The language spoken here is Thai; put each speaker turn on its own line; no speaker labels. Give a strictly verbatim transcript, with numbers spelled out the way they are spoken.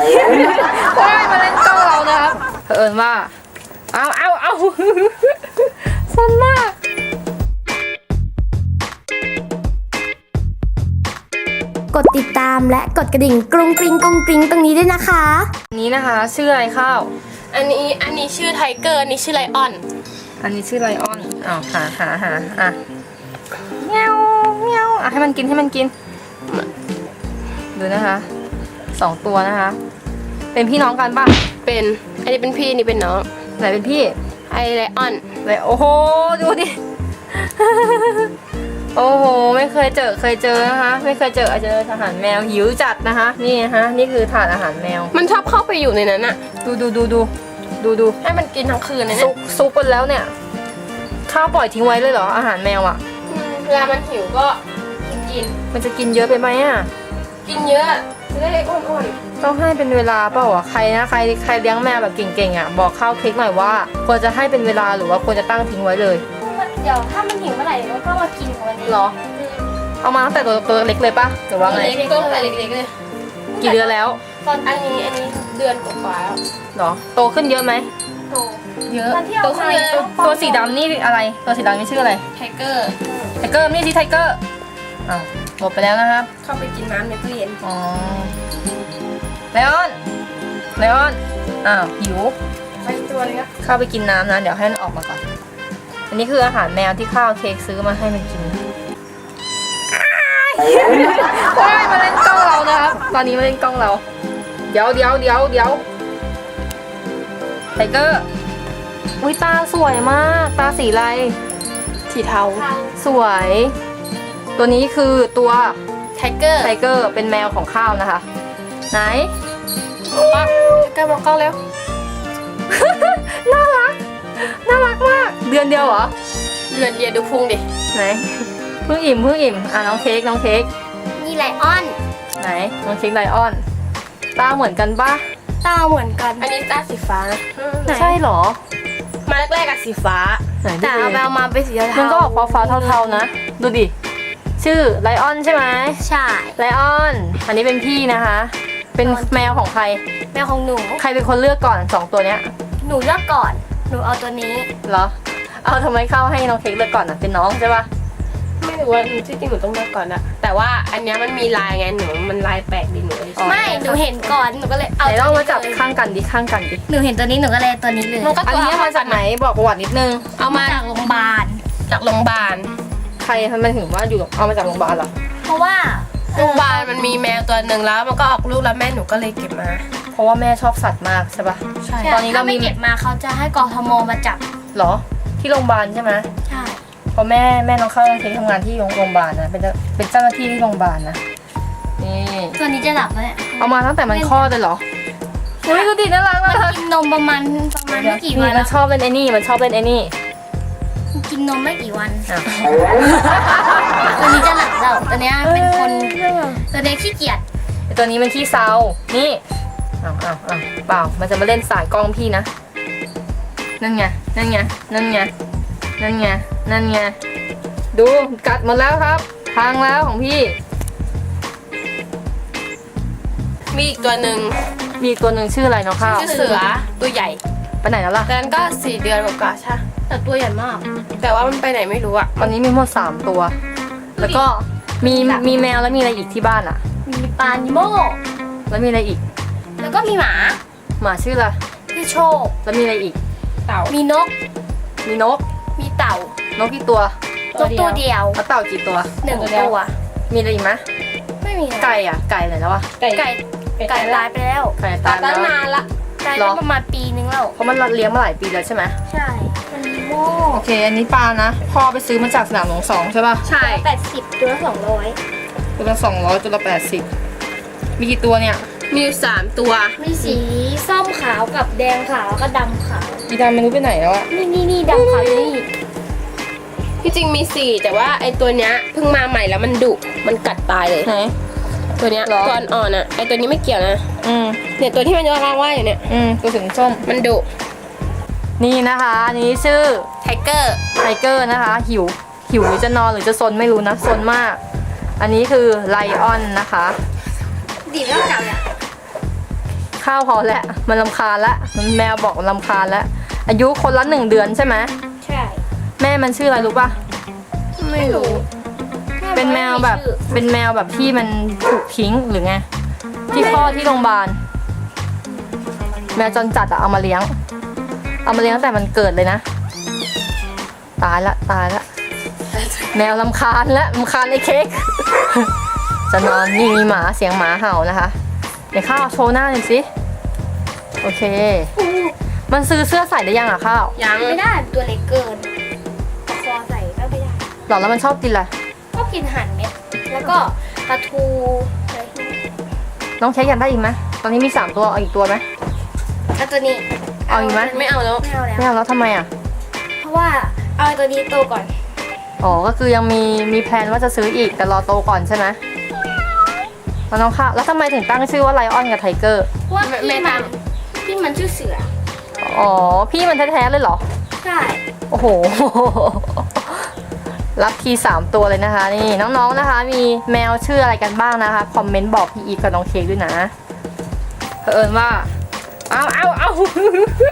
ว้ายมาเล่นกล้องเรานะครับเผอิญว่าเอาเอาเอาสนมาก
กดติดตามและกดกระดิ่งกรุงกริงกรุงกริงตรงนี้ด้วยนะคะ
อันนี้นะคะชื่ออะไรข้าว
อันนี้อันนี้ชื่อไทเกอร์อันนี้ชื่อไลออน
อันนี้ชื่อไลออนอ้าวหาหาหาอ่ะเงี้ยวเงี้ยวอ่ะให้มันกินให้มันกินดูนะคะสองตัวนะคะเป็นพี่น้องกันป่ะ
เป็นอันนี้เป็นพี่นี่เป็นน้อง
ไหนเป็นพี่
ไอไลออน
เลยโอ้โหดูดิ โอ้โหไม่เคยเจอเคยเจอนะคะไม่เคยเจอเจอทหารแมวหิวจัดนะคะนี่นะคะนี่คือถาดอาหารแมว
มันชอบเข้าไปอยู่ในนั้นอะ
ดูดูดูดูดูดู
ให้มันกินทั้งคืนเลย
เนี่ยซุกซุกไปแล้วเนี่ยข้าวปล่อยทิ้งไว้เลยเหรออาหารแมวอะ
เวลามันหิวก็กิน
มันจะกินเยอะไปไหมอะ
กินเยอะจะได้อ้วน
ๆต้องให้เป็นเวลาเปล่าอะใครนะใครใครเลี้ยงแมวแบบเก่งๆอะบอกข้าวเค้กหน่อยว่าควรจะให้เป็นเวลาหรือว่าควรจะตั้งทิ้งไว้เลย
เดี๋ยวถ้ามันหิวเมื่อไหร่มันก็มากินของมันเอง
หรอเอามาตั้งแต่ตัวตัวเล็กเลยปะหรือว่าไง
ตัวแต่เล็กๆเลย
กี่เดือนแล้ว
ตอนอันนี้อันนี้เดือนกว่าแล้ว
หรอโตขึ้นเยอะไหม
โตเยอะ
โตขึ้นเยอะตัวสีดำนี่อะไรตัวสีดำนี่ชื่ออะไร
ไทเกอร์
ไทเกอร์นี่สิไทเกอร์อ้าวหมดไปแล้วนะครับ
เข้าไปกินน้ำในตู้เย็น
อ๋อไลออนไลออนอ้าวหิว
ไปตัวเลยครับ
เข้าไปกินน้ำนะเดี๋ยวให้มันออกมาก่อนอันนี้คืออาหารแมวที่ข้าวเค้กซื้อมาให้มันกินว้ายมาเล่นกล้องเรานะครับตอนนี้มาเล่นกล้องเราเดี๋ยวเดี๋ยวเดี๋ยวเดี๋ยวไทเกอร์อุ้ยตาสวยมากตาสีอะไร
สีเทา
สวยตัวนี้คือตัว
ไทเกอร์
ไทเกอร์เป็นแมวของข้าวนะคะไหน
ปักไทเกอร์มองกล้องเร็ว
น่ารักน่ารักมากเดือนเดียวเหรอ
เดือนเดียวดูพุงดิ
ไหนเพิ่งอิ่มเพิ่งอิ่มอ่ะน้องเค้กน้องเค้ก
นี่ไลออน
ไหนน้องเค้กไลออนตาเหมือนกันปะ
ตาเหมือนกัน
อันนี้ตาสีฟ้า
ใช่หรอ
มาแรกๆกับสีฟ้า
แต่เอาไปเอามาเป็นสีเทา
มันก็ออกฟ้าๆเทาๆนะดูดิชื่อไลออนใช่ไหม
ใช่
ไลออนอันนี้เป็นพี่นะคะเป็นแมวของใคร
แมวของหนู
ใครเป็นคนเลือกก่อนสองตัวเนี้ย
หนูเลือกก่อนหนูเอาตัวนี้
เหรอเอาทำไมเข้าให้น้องเค้กเลือกก่อนอ่ะเป็นน้องใช่ปะ
ไม่รู้ว่าที่จริงหนูต้องเลือกก่อนอะแต่ว่าอันนี้มันมีลายไงหนูมันลายแปลกดีหนู
ไม่หนูเห็นก่อนหนูก็เลย
เอาไหนลองมาจับข้างกันดิข้างกันดิ
หนูเห็นตัวนี้หนูก็เลยตัวนี้เลย
อันนี้มาจากไหนบอกประวัตินิดนึง
เอามา
จากโรงพยาบาล
จากโรงพยาบาล
ใครทำไมถึงว่าอยู่เอามาจากโรงพยาบาลเหรอ
เพราะว่า
โรงพยาบาลมันมีแมวตัวหนึ่งแล้วมันก็ออกลูกแล้วแม่หนูก็เลยเก็บมา
เพราะว่าแม่ชอบสัตว์มากใช่ปะ
ใช่ตอนนี้เรามีเก็บมาเขาจะให้กทมมาจับ
หรอที่โรงพยาบาลใช่ไหม
ใช่
เพราะแม่แม่น้องเข้าเค้กทำงานที่โรงพยาบาลนะเป็นเป็นเจ้าหน้าที่ที่โรงพยาบาลนะนี่
ตัวนี้จะหลับแล้วเนี่ย
เอามาตั้งแต่มันคลอดเลยเหรออุ้ยดูดิน่ารักมาก
มันกินนมประมาณประมาณไม่กี่วัน
มันชอบเล่นไอ้นี่มันชอบเล่นไอ้นี่
กินนมไม่กี่วันตัวนี้จะหลับแล้วตัวนี้เป็นคนตัวนี้ขี้เกียจ
ตัวนี้มันขี้เซานี่อ้าวอ้าวอ้าวเปล่ามันจะมาเล่นสายกล้องพี่นะนั่นไงนั่นไงนั่นไงนั่นไงนั่นไงดูกัดหมดแล้วครับพังแล้วของพี่
มีอีกตัวหนึ่ง
มีอีกตัวหนึ่งชื่ออะไรน้องข้าว
ชื่อเสือตัวใหญ่
ไปไหนแล้วล่ะ
แต่นั้นก็สี่เดือนกว่าๆใช่แต่ตัวใหญ่มากแต่ว่ามันไปไหนไม่รู้อะ
ตอนนี้มีหมดสามตัวแล้วก็มีมีแมวแล้วมีอะไรอีกที่บ้านอะ
มีปลานิโม่
แล้วมีอะไรอีก
แล้วก็มีหมา
หมาชื่ออะไร
ชื่อโชค
แล้วมีอะไรอีก
เต่า
มีนก
มีนก
มีเต่าน
กกี่ตัวน
กตัวเดียว
แล้วเต่ากี่ตัว
หนึ่งตัว
มีอะไรอีกไหม
ไม่มี
ไก่อ่ะไก่ไหนแล้ววะ
ไก่ไก่ไก่ตายไปแล้ว
ไก่ตาย
ตั้งนานละ
ตายแล้วประมาณปีนึงแล้ว
เพราะมันเลี้ยงมาหลายปีแล้วใช่ไหม
ใช่มันโม่
โอเคอันนี้ปลานะพ่อไปซื้อมาจากสนามหลวงสองใช่ป่ะ
ใช่
แปดสิบตัวละสองร้อย
ตัวละสองร้อยตัวละแปดสิบมีกี่ตัวเนี่ย
มีสามตัว
มีสีส้มขาวกับแดงขาวก็ดำขาว
อีดำไม่รู้ไปไหนแล้วอะ
นี่นี่นี่ดำขาวนี่
ที่จริงมีสี่แต่ว่าไอตัวเนี้ยเพิ่งมาใหม่แล้วมันดุมันกัดตายเลยตัวเนี้ยก่อนอ่อนอะไอตัวนี้ไม่เกี่ยวนะ
อืม
เนี่ยตัวที่มันยังว่างๆอยู่เนี่ย
อืมตัวถึงส้ม
มันดุ
นี่นะคะอันนี้ชื่อ
ไทเกอร์
ไทเกอร์นะคะหิวหิวหรือจะนอนหรือจะซนไม่รู้นะซนมากอันนี้คือไลออนนะคะ
ดีแล้วจังเนี่ย
ข้าวพอแล้วมันรำคาญละมันแมวบอกมันรำคาญแล้วอายุคนละหนึ่งเดือนใช่ไหม
ใช่
แม่มันชื่ออะไรรู้ป่ะ
ไม่รู้
เป็นแมวแบบเป็นแมวแบบที่มันถูกทิ้งหรือไงที่คลอดที่โรงพยาบาลแมวจรจัดอะเอามาเลี้ยง เอามาเลี้ยงตั้งแต่มันเกิดเลยนะตายละตายละแมวลำคาญละลำคาญไอ้เค้ก จะนอนนี่มีหมาเสียงหมาเห่านะคะเดี๋ยวข้าวโชว์หน้าหน่อยสิโอเค มันซื้อเสื้อใส่ได้ยังอะข้าว
ยัง
ไม่ได้ตัวเล็กเกินคอใส่ก็ไม่ได้
หรอแล้วมันชอบกินอะไร
ก็กินอาหารเม็ด แล้วก็ปลาทูอะไรพวกนี้
น้องเค้กอยากได้อีกไหมตอนนี้มีสามตัวเอาอีกตัวไหม
แล้วตัวนี้
เอาอีกไหม
ไม่เอาแล้ว
ไม่เอาแล้ว
ไม่เอาแล้วทำไมอะ
เพราะว่าเอาตัวนี้โตก่อน
อ๋อก็คือยังมีมีแพลนว่าจะซื้ออีกแต่รอโตก่อนใช่ไหมแล้วน้องข้าวแล้วทำไมถึงตั้งชื่อว่าไลออนกับไทเกอร์
เพราะว่าพี่มันพี่มันชื่อเสือ
อ๋อพี่มันแท้ๆเลยเหรอ
ใช่
โอ้โห รับทีสามตัวเลยนะคะ นี่น้องๆนะคะ มีแมวชื่ออะไรกันบ้างนะคะ คอมเมนต์บอกพี่อีฟกับน้องเค้กด้วยนะเผอิญว่า เอาเอาเอา